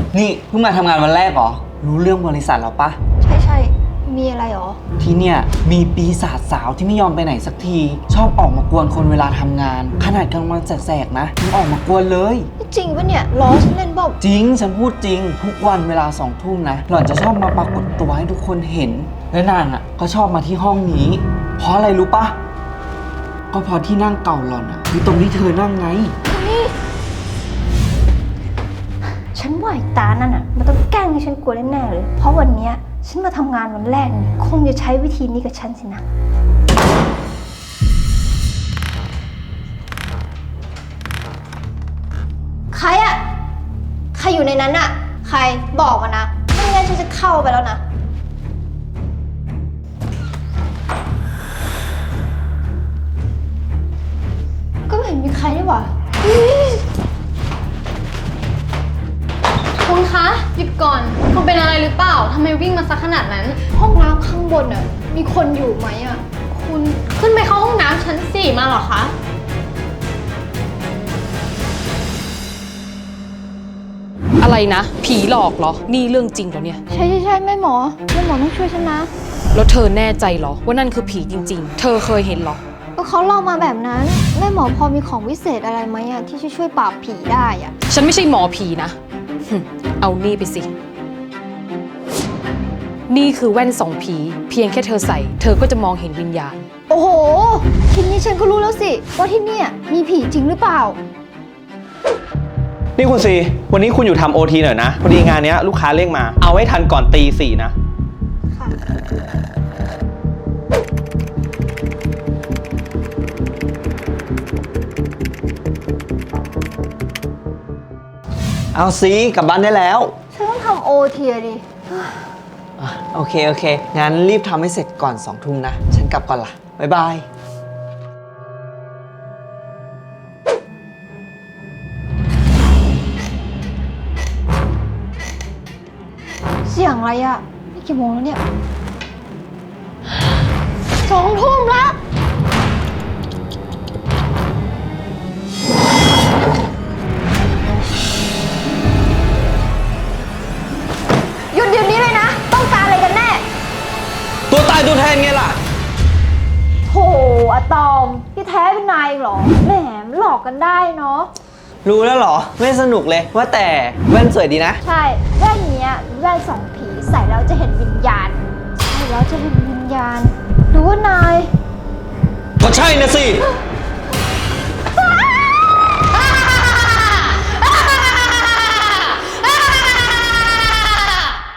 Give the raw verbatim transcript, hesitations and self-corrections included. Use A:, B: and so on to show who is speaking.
A: นี่เพิ่งมาทำงานวันแรกเหรอรู้เรื่องบริษัทเราปะ
B: ใช่ใช่มีอะไรหรอ
A: ที่เนี่ยมีปีศาจสาวที่ไม่ยอมไปไหนสักทีชอบออกมากวนคนเวลาทำงานขนาดกลางวันแสกๆนะยังออกมากวนเลย
B: จริงปะเนี่ยล้อฉันเล่นบอก
A: จริงฉันพูดจริงทุกวันเวลาสองทุ่มนะหล่อนจะชอบมาปรากฏตัวให้ทุกคนเห็นและนางอ่ะก็ชอบมาที่ห้องนี้เพราะอะไรรู้ปะก็เพราะที่นั่งเก่าหล่อนอ่ะคือตรงที่เธอนั่งไง
B: ฉันว่าไอ้ตานั่นอ่ะมันต้องแกล้งให้ฉันกลัวแน่ๆเลยเพราะวันเนี้ยฉันมาทำงานวันแรกนี่คงจะใช้วิธีนี้กับฉันสินะใครอะใครอยู่ในนั้นอะใครบอกมานะไม่งั้นฉันจะเข้าไปแล้วนะก็ไม่เห็นมีใครนี่หว่า
C: คุณคะหยุดก่อนคุณเป็นอะไรหรือเปล่าทำไมวิ่งมาซะขนาดนั้น
B: ห้องน้ำข้างบนอะมีคนอยู่ไหมอะ
C: คุณขึ้นไปเข้าห้องน้ำชั้นสี่มาเหรอคะ
D: อะไรนะผีหลอกเหรอนี่เรื่องจริงเหรอเนี่ย
B: ใช่ใช่ใช่แม่หมอแม่หมอต้องช่วยฉันนะ
D: แล้วเธอแน่ใจเหรอว่านั่นคือผีจริงๆเธอเคยเห็นเหรอ
B: ก็เขาเล่ามาแบบนั้นแม่หมอพอมีของวิเศษอะไรไหมอะที่จะช่วยปราบผีได้อะ
D: ฉันไม่ใช่หมอผีนะเอานี่ไปสินี่คือแว่นส่องผีเพียงแค่เธอใส่เธอก็จะมองเห็นวิญญาณ
B: โอ้โหทีนี้ฉันก็รู้แล้วสิว่าที่นี่มีผีจริงหรือเปล่า
E: นี่คุณซีวันนี้คุณอยู่ทำโอทีหน่อยนะพอดีงานนี้ลูกค้าเร่งมาเอาให้ทันก่อนตีสี่นะเอาซีกลับบ้านได้แล้ว
B: ฉันต้องทำโอทีดิ
A: โอเคโอเคงั้นรีบทำให้เสร็จก่อนสองทุ่มนะฉันกลับก่อนละบ๊ายบาย
B: เสียงอะไรอะนี่กี่โมงแล้วเนี่ยสองทุ่มแล้วหยุดเดี๋ยวนี้เลยนะต้องการอะไรกันแน่
E: ตัวตายตัวแทนไงล่ะ
B: โถอะตอมพี่แท้เป็นนายเหรอแหมหลอกกันได้เนาะ
A: รู้แล้วเหรอไม่สนุกเลยว่าแต่แว่นสวยดีนะ
B: ใช่แว่นเนี้ยแว่นสองผีใส่แล้วจะเห็นวิญญาณใช่แล้วจะเห็นวิญญาณหรือว่านาย
E: ก็ใช่นะสิ